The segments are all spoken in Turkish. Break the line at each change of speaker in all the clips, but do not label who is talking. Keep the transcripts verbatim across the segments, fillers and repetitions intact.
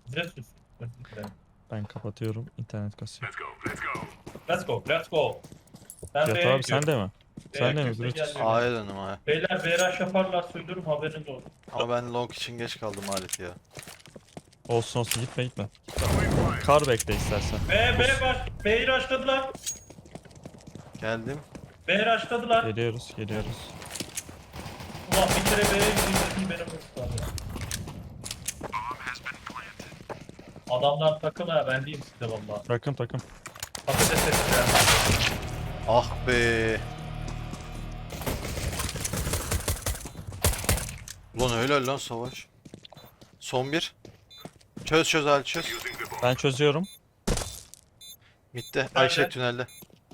Bize sus. Özür dilerim.
Ben kapatıyorum. İnternet kasıyor.
Let's go, let's go. Ben
Cihat
B'ye
abi sen
gidiyorum.
de mi?
B'ye
Sen de mi?
kimse
Brutus?
gelmiyor.
A'ya döndüm A'ya.
Beyler B rush yaparlar söylüyorum haberiniz olsun.
Ama ben long için geç kaldım alet ya.
Olsun olsun gitme gitme. Kar bekle istersen.
B, B baş. B'yi rushladılar.
Geldim.
B rushladılar.
Geliyoruz geliyoruz.
Ulan bir kere B'ye gideyim benim ısrarım. Adamlar takım ha ben diyeyim size valla.
Takım takım.
Patates ettiler.
Ah be. Ulan öyle lan savaş. Son bir. Çöz çöz Ali çöz.
Ben çözüyorum.
Bitti. Ayşe
Nerede?
tünelde.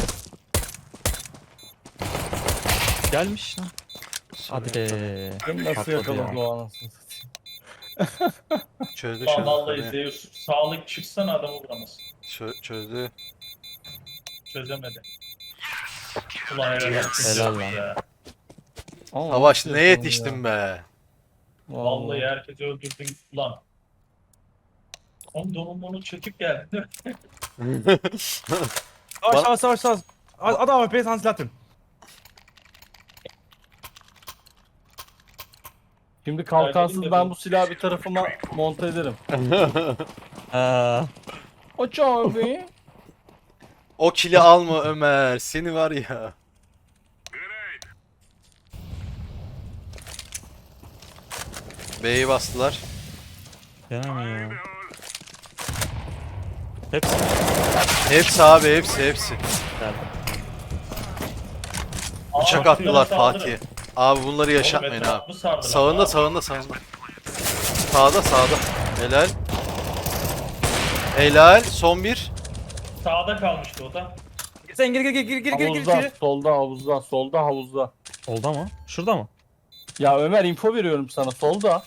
Gelmiş lan. Hadi be.
Beni nasıl
Patladı
yakaladı
ya.
o anasını satayım.
Çözdü
Ulan
çözdü.
vallahi
tabii.
Zeus sağlık çıksana adamı vuramaz.
Çö- çözdü.
Çözemedi. Ulan helal olsun.
Helal
Zeus
lan.
ya.
Ama
Savaş
nasıl
ne
yakaladı
yetiştim
ya?
be.
Vallahi herkesi öldürdün ulan. Oğlum donanmanı çekip geldi.
Savaş
Bana-
savaş savaş savaş. Adam A W P'yi sana silah atın. Şimdi kalkansız ben bu silahı bir tarafıma monte ederim.
Aa,
Aç abi.
O kili alma Ömer. Seni var ya. B'yi bastılar.
gene mi ya? Hepsi
Hepsi abi hepsi hepsi.
geldi.
Bıçak attılar Fatih'e. Abi bunları yaşatmayın abi. Sağında sağında sağında. Sağda sağda. Helal. Helal. Son bir.
Sağda kalmıştı o da.
Sen gir gir gir gir gir gir
Havuzda,
gir.
solda havuzda, solda havuzda.
Oldu mu? Şurada mı?
Ya Ömer info veriyorum sana solda.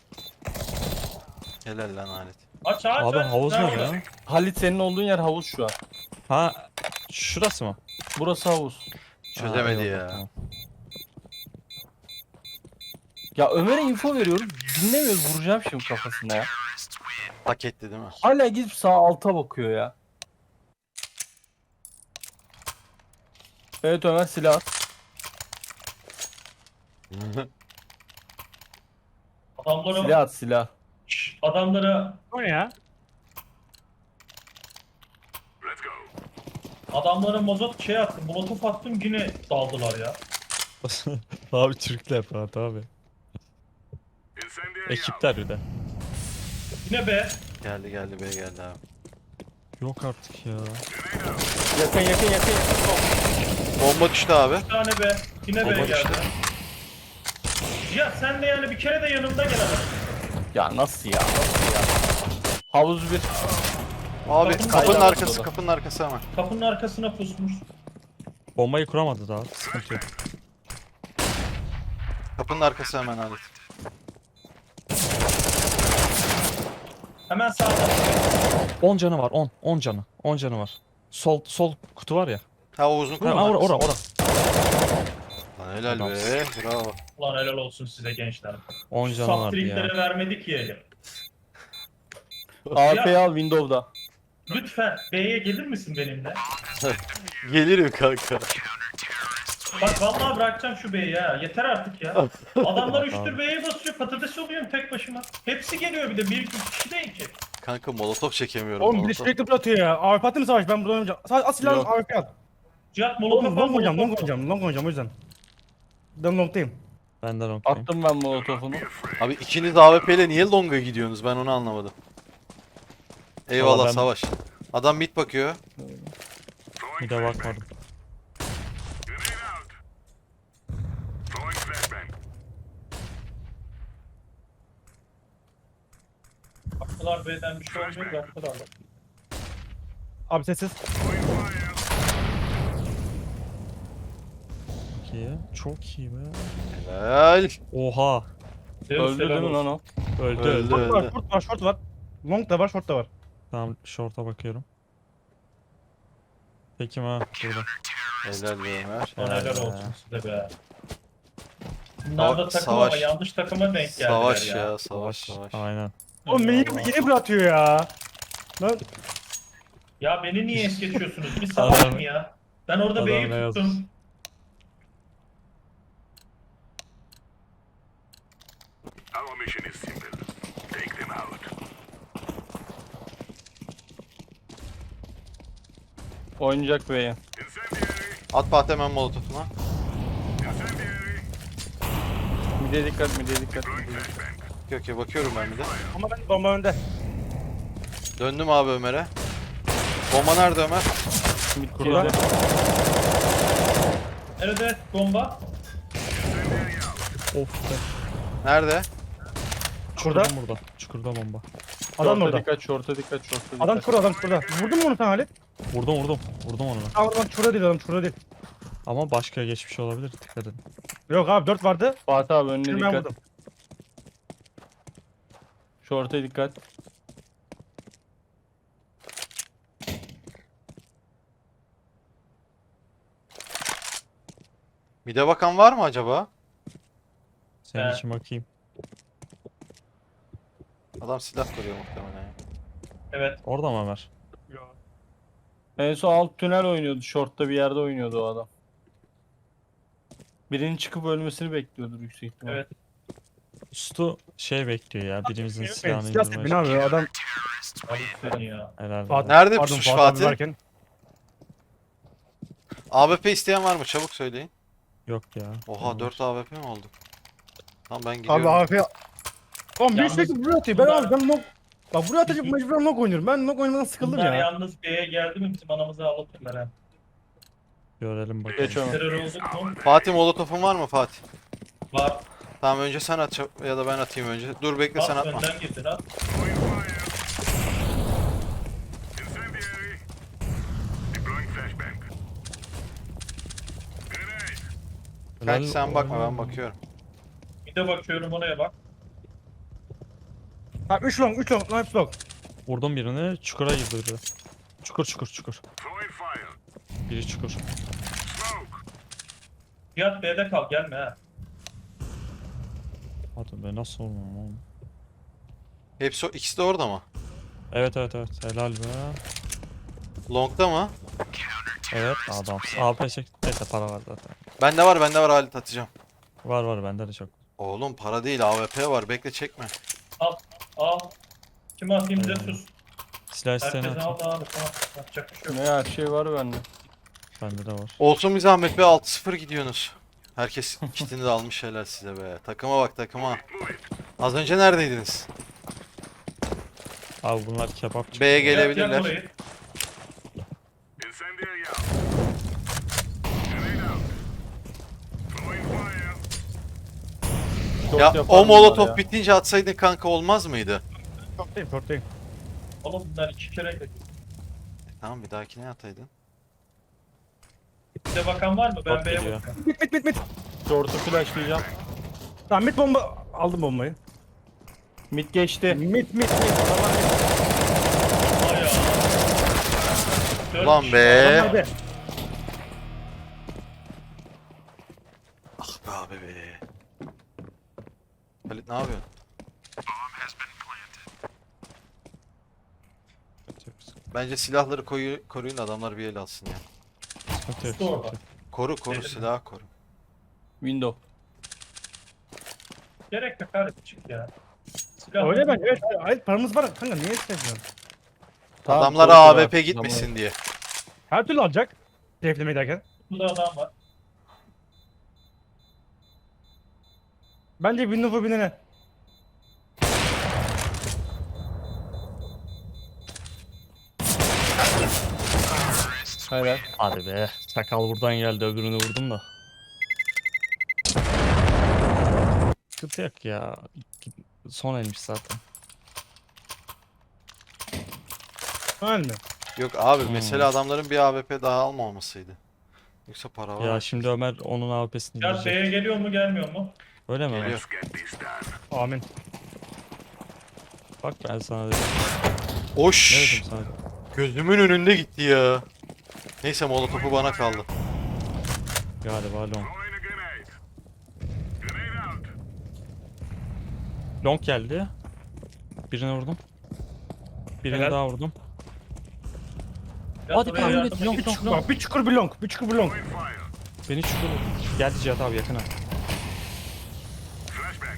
Helal lan alet.
Aç aç
Abi
aç.
havuz mu
Nerede?
ya?
Halit senin olduğun yer havuz şu an.
Ha şurası mı?
Burası havuz.
Çözemedi
Ha, eyvallah,
ya.
tamam.
Ya Ömer'e info veriyorum. Dinlemiyoruz, vuracağım şimdi kafasına ya.
Hak etti değil mi?
Hala gidip sağ alta bakıyor ya. Evet Ömer silah at.
Adamlara,
Silah at silah.
Şşş, adamlara,
O ne ya?
adamlara mazot şey attım, molotof attım yine daldılar ya.
Abi Türkler Fatih abi. Ekipler bir de.
Yine be.
Geldi geldi B geldi abi.
Yok artık ya.
Yakın yakın yakın yakın.
Bomba düştü abi.
Bir tane be. Yine be
Bomba
geldi.
düştü.
Ya sen de yani bir kere de yanımda gel adam.
Ya nasıl ya nasıl ya. Havuz bir.
Abi
Kapının
kapının
kaydı
arkası
ortada.
kapının arkası ama.
Kapının arkasına pusmuş.
Bombayı kuramadı daha. Sıkıntı yok.
Kapının arkası hemen alet.
Hemen sağda.
on canı var on. on canı. on canı var. Sol sol kutu var ya.
Ha o uzun
Ha,
kapının
ora
arkası.
ora ora.
Lan helal be.
Adamsın.
Bravo.
Ulan helal olsun size gençler.
on canı vardı ya.
Saftriklere vermedik yiyelim.
A P'yi al Windows'da.
Lütfen B'ye gelir misin benimle?
Gelirim kanka.
Bak vallahi bırakacağım şu B'yi ya. Yeter artık ya. Adamlar
Abi.
üçtür B'ye basıyor. Patates oluyorum tek başıma. Hepsi geliyor bir de. Bir iki kişi değil ki.
Kanka molotof çekemiyorum.
Oğlum bir de
molotof.
sürekli atıyor ya. A W P attın mı savaş? Ben buradan oynayacağım. Savaş at silahını
Yok.
A W P at.
Cihat
Oğlum
molotof
long oynayacağım, long
molotof.
oynayacağım, long oynayacağım o yüzden. Ben long'tayım.
Benden okuyayım.
Attım ben molotofunu.
Abi ikiniz A W P ile niye longa gidiyorsunuz? Ben onu anlamadım. Eyvallah
Valla ben-
savaş. Adam mid bakıyor.
Bir de bakmadım.
Baktılar B'den bir şey olmuyor. Baktılar.
Abi sessiz.
Çok iyi. Çok iyi be.
Helal.
Oha.
Zeus
Öldü
helal
değil mi lan
olsun.
o?
Öldü
Öldü.
öldü.
Short var, short var, short var. Long da var, short da var.
Tamam short'a bakıyorum. Peki ha burada.
Helal be Ömer.
Ulan
Helal
helal
be.
olsun size be. Bunlar da
Sava-
takım ama
savaş.
yanlış takıma denk geldiler
Savaş
ya.
ya savaş savaş.
Aynen.
O meyve yeni bırakıyor ya. Lan
Ya beni niye es geçiyorsunuz? Bir
Adam-
salak mı ya? Ben orada
Adam
B'yi
ne yazmış?
tuttum.
Our mission is simple. Take them out.
Oynayacak B'ye.
Incendiary!
At Fatih hemen molotofuna.
Incendiary!
Mide dikkat, mide dikkat.
Throwing flashbang.
Okey okey bakıyorum ben bir de.
ama ben bomba önde.
Döndüm abi Ömer'e. Bomba nerede Ömer?
Mid
Kurban.
girdi.
Nerede bomba?
Of be.
Nerede?
Burada.
Çukurdan burada. Çukurda bomba.
Adam
Şorta
orada.
dikkat, şorta dikkat, şorta dikkat.
Adam şurada, adam şurada. Vurdun mu onu sen Halit?
Vurdum vurdum. Vurdum onu.
Tamam adam şurada değil, adam şurada değil.
Ama başka geçmiş olabilir. Dikkat edin.
Yok abi dört vardı.
Fatih abi önüne
Şimdi ben
dikkat.
vurdum.
Şorta dikkat.
Mide bakan var mı acaba?
Senin
He.
için bakayım.
Adam silah koruyor muhtemelen. ya.
Evet.
Orada mı Ömer?
En son alt tünel oynuyordu. Şortta bir yerde oynuyordu o adam. Birinin çıkıp ölmesini bekliyordur yüksek ihtimal.
Evet.
Ustu şey bekliyor ya. Birimizin
Evet,
silahını
silah
indirmeye
tepe ne abi adam.
Abi seni ya.
Herhalde.
Fatih-
Nerede
Pardon,
pusmuş
Fuat abi
Fatih?
varken.
A W P isteyen var mı? Çabuk söyleyin.
Yok ya.
Oha dört A W P mi oldu? Tamam ben gidiyorum.
Abi A F. Oğlum bir
Yalnız
sürekli buraya atıyor. Ben
bunlar-
abi ben nok. Bak buraya atacak mecburen nok oynuyorum. Ben nok oynamaktan sıkıldım
Bunlar
ya.
yalnız B'ye geldi mi bizim anamızı ağlatırlar ha.
Görelim bakalım.
Geç Ömer.
Terör olduk mu?
Fatih molotofun var mı Fatih?
Var.
Tamam önce sen at çab- ya da ben atayım önce. Dur bekle sen
At
atma.
önden girdin at.
Throwing fire! Incendiary! Deploying flashbang. Grenade!
Kanki sen bakma ben bakıyorum.
Bir de bakıyorum oraya bak.
Ha üç long, üç long, hepsi long.
Vurdum birini. Çukura girdi biri. Çukur çukur çukur.
Throwing fire!
Biri çukur.
Smoke!
Fiyat B'de kal gelme ha.
Hadi be nasıl olmam oğlum.
Hepsi o- ikisi de orada mı?
Evet evet evet. Helal be.
Long'da mı?
Evet adam. A P çek. Neyse para var zaten.
Bende var bende var Halit atacağım.
Var var bende de çok.
Oğlum para değil A W P var bekle çekme.
Al. Al. Kime atayım bize
Ee,
sus.
Silah isteyene
Herkese
atayım.
al abi. Tamam. Yapacak bir şey yok.
Ne her şey var bende.
Bende de var.
Olsun bir zahmet be altı sıfır gidiyorsunuz. Herkes kitini de almış helal size be. Takıma bak takıma. Az önce neredeydiniz?
Abi bunlar kebapçı.
B'ye
Gel, gel
gelebilirler.
burayı.
Incendiary out! Grenade out! Throwing fire!
Şort
Ya
yapar
o
bunlar
molotof
ya.
bitince atsaydın kanka olmaz mıydı?
Short'tayım, short'tayım.
Oğlum bunlar iki kere geldi.
Tamam bir dahakine ataydın.
Bize bakan var mı? Ben
Bak
B'ye
geliyor.
bakıyorum.
Mit mit mit mit.
Şortu flashlayacağım.
Tamam mit bomba. Aldım bombayı.
Mid geçti.
Mit mit mit. Adamlar mit.
Ay ya. Dört
Ulan
kişi
be.
Adamlar be.
Ah be abi be. Halit ne yapıyorsun? Bence silahları koyu, koruyun adamlar bir el alsın ya.
Sıkıntı yok,
Doğru.
sıkıntı yok.
Koru koru
Dedim.
silahı koru.
Window.
Gerek yok abi çık ya. Silah
Öyle ben. Evet. Hayır paramız var. Kanka niye istemiyorsun?
Tamam,
Adamlara
korku
A
var.
W P gitmesin diye.
Her türlü alacak. Deflemeyi derken.
Burada adam var.
Bence Windows'a binene.
Hayır.
Hadi be. Sakal buradan geldi öbürünü vurdum da. Sıkıntı yok ya. Son elmiş zaten.
Öyle mi?
Yok abi
Hmm.
mesela adamların bir A W P daha almamasıydı. Yoksa para var.
Ya şimdi Ömer onun A W P'sini
Fiyat
diyecek.
B'ye geliyor mu gelmiyor mu?
Öyle mi Ömer?
Geliyor.
Let's get this done.
Amin.
Bak ben sana dedim. Ne
Oş!
dedim sana?
Gözümün önünde gitti ya. Neyse molotofu bana kaldı.
Galiba long.
Throwing a grenade. Grenade out!
Long geldi. Birine vurdum. Birini
Helal.
daha vurdum.
Biraz
Hadi
oraya
tahmin
yardım
et, long,
edin.
long, long.
Bak bir çukur bir long. Bir çukur bir long.
Beni çukur. Geldi Cihat abi yakına.
Flashbang.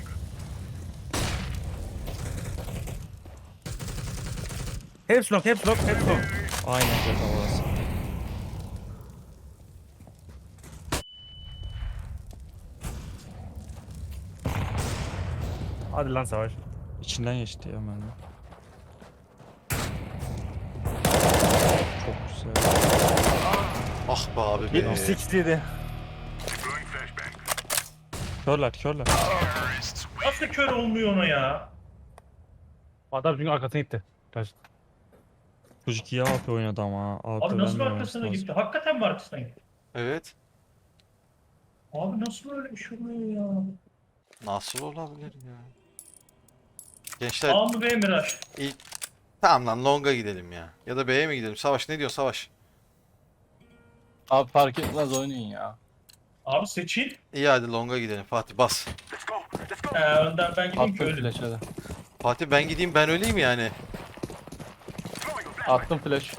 Hepsi long. Hepsi long. Hepsi long.
Aynen Cihat abi orası.
Hadi lan Savaş.
İçinden geçti ya mermi. Çok güzel.
Ah be abi be.
yetmiş sekiz yedi.
Deploying flashbang.
Körler körler.
Nasıl kör olmuyor ona ya?
Adam çünkü arkasına gitti. Kaç.
Çocuk iyi A P oynadı ama. A P
Abi nasıl
vermiyor
arkasına
olması
gitti? Hakikaten mi arkasına gitti?
Evet.
Abi nasıl öyle bir şey oluyor ya?
Nasıl olabilir ya? Gençler
A mı B mi Raş?
ilk... Tamam lan longa gidelim ya. Ya da B'ye mi gidelim? Savaş ne diyor Savaş?
Abi fark etmez oynayın ya.
Abi seçil.
İyi hadi longa gidelim. Fatih bas.
Let's go. Let's go.
Ee, önden ben gideyim ki
Attım
öyle.
flash hadi.
Fatih ben gideyim ben öleyim yani.
Throwing a flashbang.
Attım flash.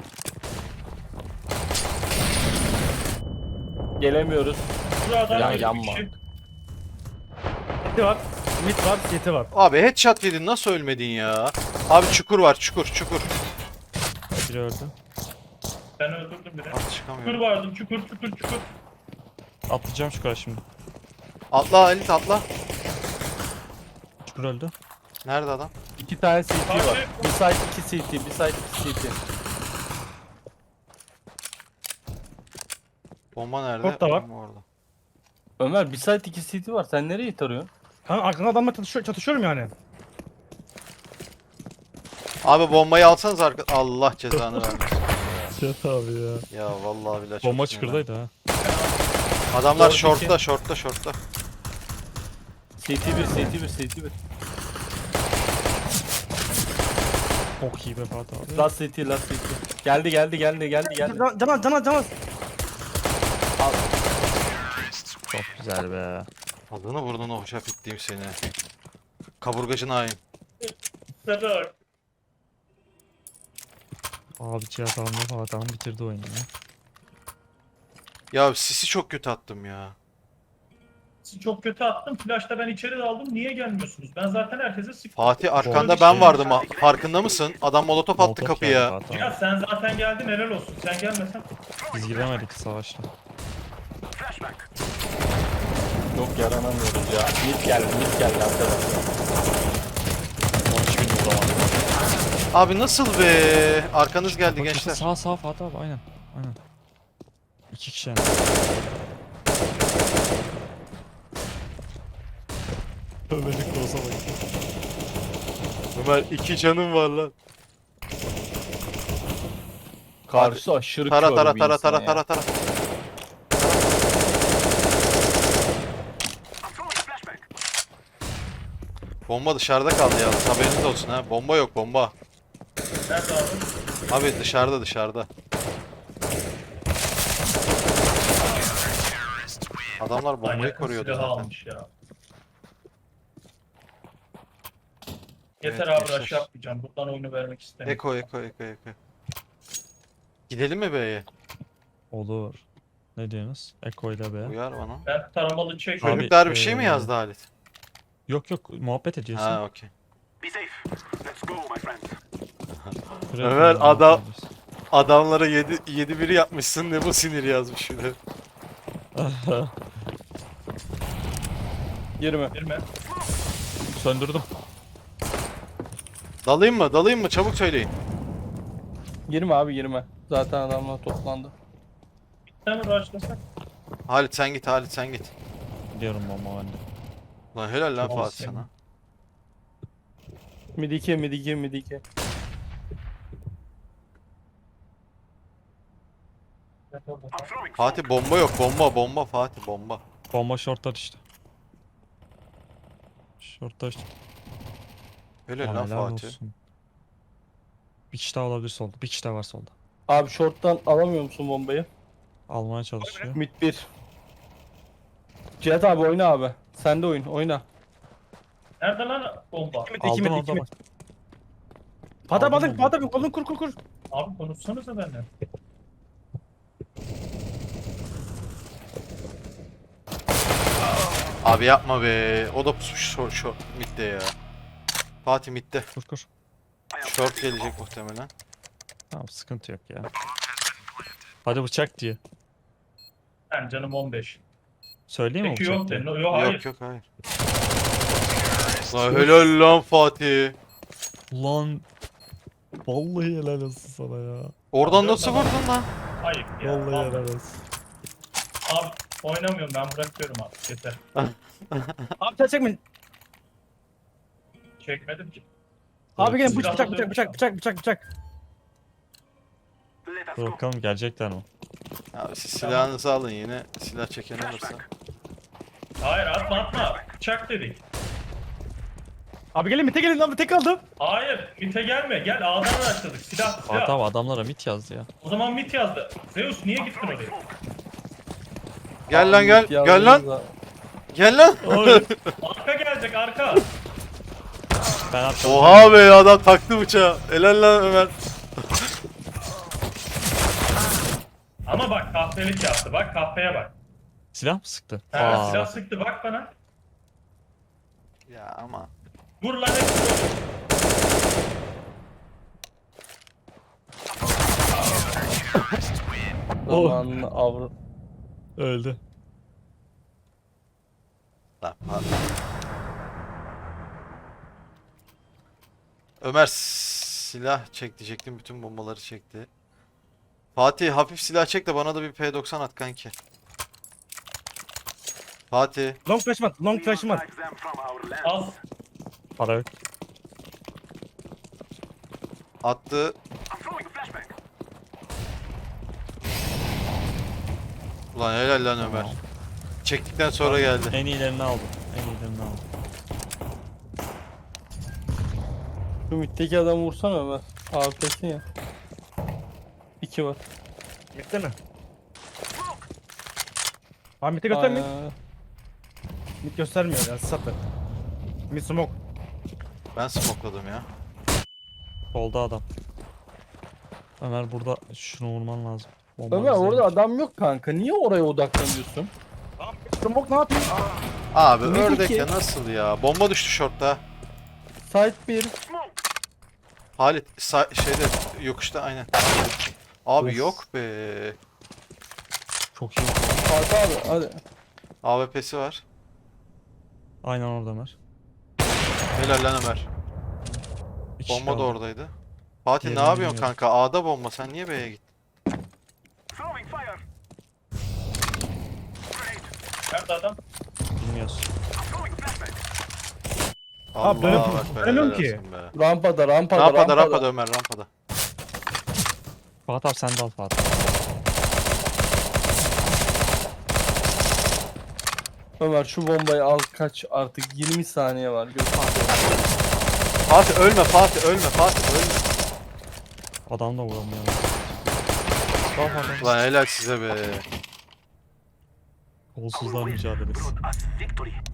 Gelemiyoruz.
Buradan
Ya
öyle bir
yanma.
şey.
City var. Mid var. City var.
Abi headshot yedin nasıl ölmedin ya? Abi çukur var çukur çukur.
Biri öldü.
Ben öldürdüm biri.
At
Çukur
çıkamıyorum.
vardı. Çukur çukur çukur.
Atlayacağım çukura şimdi.
Atla Halit atla.
Çukur öldü.
Nerede adam?
İki tane C T var.
Abi.
Bir side iki C T. Bir side iki C T.
Bomba nerede?
Short da var.
Bomba orada.
Ömer bir side iki C T var. Sen nereye tarıyorsun?
Kanka arkanda adamla çatışıyor, çatışıyorum yani.
Abi bombayı alsanız arka... Allah cezanı vermesin.
Cihat abi ya.
Ya vallahi billahi çok
Bomba
sinirlendim.
çukurdaydı ha.
Adamlar
Dört iki.
shortta shortta shortta.
C T bir, C T bir, C T bir.
Çok iyi be Fatih abi.
Last C T, last C T. Geldi, geldi, geldi, geldi, geldi.
Can can can can.
Çok güzel be.
Adını burnunu hoşaf ettiğim seni. Kaburgacın hain.
Sedar.
Abi Cihat abi Fatih abi bitirdi oyunu ya.
Ya sisi çok kötü attım ya.
Siz çok kötü attım. Flash'ta ben içeri daldım. Niye gelmiyorsunuz? Ben zaten herkese sıktım.
Fatih arkanda
bir
ben
şey.
vardım. ha- Farkında mısın? Adam molotof attı
Molotov
kapıya.
geldi Fatih
Ya
abi.
sen zaten geldin helal olsun. Sen gelmesen.
Biz giremedik savaşta.
Flashbang.
Yok yaranamıyoruz ya. Mid geldi, mid geldi arkadaşlar.
on üç bin vuramadım.
Abi nasıl be? Arkanız geldi
Bak,
gençler.
Sağ sağ Fatih abi aynen. Aynen. İki kişi yani. Ömer'lik de olsa bak.
Ömer iki canım var lan.
Karşı aşırı
Tara
kör
tara
bir
tara
insan
tara
ya.
tara tara.
I'm throwing a flashbang.
Bomba dışarıda kaldı ya. Haberiniz olsun ha. Bomba yok bomba.
Nerede abi?
Abi dışarıda dışarıda. Adamlar bombayı
Manyakın
koruyordu
silahı
zaten.
almış ya. Yeter
Evet,
abi
gençler.
rush yapmayacağım. Buradan oyunu vermek istemiyorum.
Eko eko eko eko. Gidelim mi B'ye?
Olur. Ne diyorsunuz? Eko ile be.
Uyar bana.
Ben taramalı çek.
Abi,
Çocuklar bir şey mi
eee,
yazdı Halit?
Yok yok muhabbet ediyorsun.
Ha okey.
Be safe. Let's go, my friend.
Buraya
Ömer,
koyalım,
adam-
muhabbet ediyorsun.
Adamlara yedi biri yapmışsın ne bu sinir yazmış bir de.
Girme.
Girme.
Söndürdüm.
Dalayım mı? Dalayım mı? Çabuk söyleyin.
Girme abi girme. Zaten adamlar toplandı.
Sen mi rushlasak?
Halit sen git Halit sen git.
Gidiyorum bomba halde.
Lan helal lan
Çok
Fatih
olsun.
sana.
Mid iki, mid iki, mid iki.
Evet, orada.
I'm throwing
Fatih bomba yok bomba bomba Fatih bomba.
Bomba shortlar işte. Shortlar işte.
Helal
Aa,
lan
helal
Fatih.
olsun. Bir kişi daha olabilir solda. Bir kişi daha var solda.
Abi short'tan alamıyor musun bombayı?
Almaya çalışıyor.
Mid bir. Cihat abi oyna abi. Sen de oyun, oyna.
Nerede lan bomba?
İki mid iki
Aldın
mid
orada
iki mid.
bak.
Fatih
Aldım
Fatih
onu.
Fatih abi kolunu kur kur kur.
Abi konuşsanıza benimle.
Abi yapma be. O da pusmuş short, short midde ya. Fatih midde.
Kur kur.
Short gelecek muhtemelen.
Tamam sıkıntı yok ya. Hadi bıçak diye.
Ben canım on beş.
Söyleyeyim mi
Peki
bıçak
yok
diye?
de. No, yok hayır.
Yok yok hayır. Lan helal lan Fatih.
Lan. Vallahi helal olsun sana ya.
Oradan
Dört
nasıl
adam.
vurdun lan?
Hayır ya.
Vallahi
Abi,
helal olsun.
abi oynamıyorum ben bırakıyorum artık yeter.
Abi sen çekmeyin.
Çekmedim ki.
Abi gelin
Silahla
bıçak bıçak
dövüş
bıçak
ya.
bıçak bıçak bıçak.
Let us
Dur
go.
bakalım gelecekler mi?
Abi siz silahınızı alın yine. Silah çeken olursa.
Hayır atma atma. Bıçak dedik.
Abi gelin mite gelin lan tek aldım.
Hayır mite gelme. Gel A'dan araştırdık. Silah silah.
Fatih abi adamlara mit yazdı ya.
O zaman mit yazdı. Zeus niye gittin oraya?
Gel lan gel.
Abi,
Gel lan.
yalnız da-
Gel lan.
Arka gelecek arka.
Ben attım.
Oha be adam taktı bıçağı. Helal lan Ömer.
Ama bak kahpelik yaptı. Bak kahpeye bak.
Silah mı sıktı?
Ha,
Aa,
silah sıktı bak bana.
Ya ama.
Vur lan hepsi.
Zamanını avru.
öldü.
Lan pardon. Ömer silah çek diyecektim. Bütün bombaları çekti. Fatih hafif silah çek de bana da bir P doksan at kanki. Fatih.
Long flash'ım at. Long
We
flash'ım
must
at.
drive them from our land.
Al.
Para yok.
Attı.
I'm throwing a flashbang.
Ulan helal lan Ömer. Çektikten sonra geldi.
En iyilerini aldım. En iyilerini aldım.
Şu mitteki adamı vursana Ömer. A P S'in ya. İki var.
Mitte mi? Abi mite göstermeyin.
Aynen.
Mit göstermiyor ya satı. Mid smoke.
Ben smokladım ya.
Solda adam. Ömer burada şunu vurman lazım. Bomba
Ömer
bizdeymiş.
orada adam yok kanka. Niye oraya odaklanıyorsun?
Smoke ne yapayım?
Abi
Ne
ördek
ki?
ya nasıl ya? Bomba düştü shortta.
Site bir.
Halit sa- şeyde yokuşta aynen. Abi
Of.
yok be.
Çok iyi.
Fatih abi hadi.
A W P'si var.
Aynen orada Ömer.
Helal lan Ömer.
İki kişi
Bomba da
kaldı.
oradaydı. Fatih ne
Yerini
yapıyorsun
bilmiyorum.
kanka? A'da bomba. Sen niye B'ye gittin?
Throwing fire.
Nerede adam?
Bilmiyorsun.
I'm throwing a flashbang.
Abi dönüp-
Allah ekber,
dönemiyorum
helal
ki.
olsun be.
Rampada rampada
Rampada
rampada.
rampada Ömer rampada.
Fatih abi sen de al Fatih.
Ömer şu bombayı al kaç artık yirmi saniye var. Gör.
Fatih ölme Fatih ölme Fatih ölme.
Adam da vuramıyor. Al Fatih.
Lan helal size be.
Kolsuzlar mücadelesi.
Brought us victory.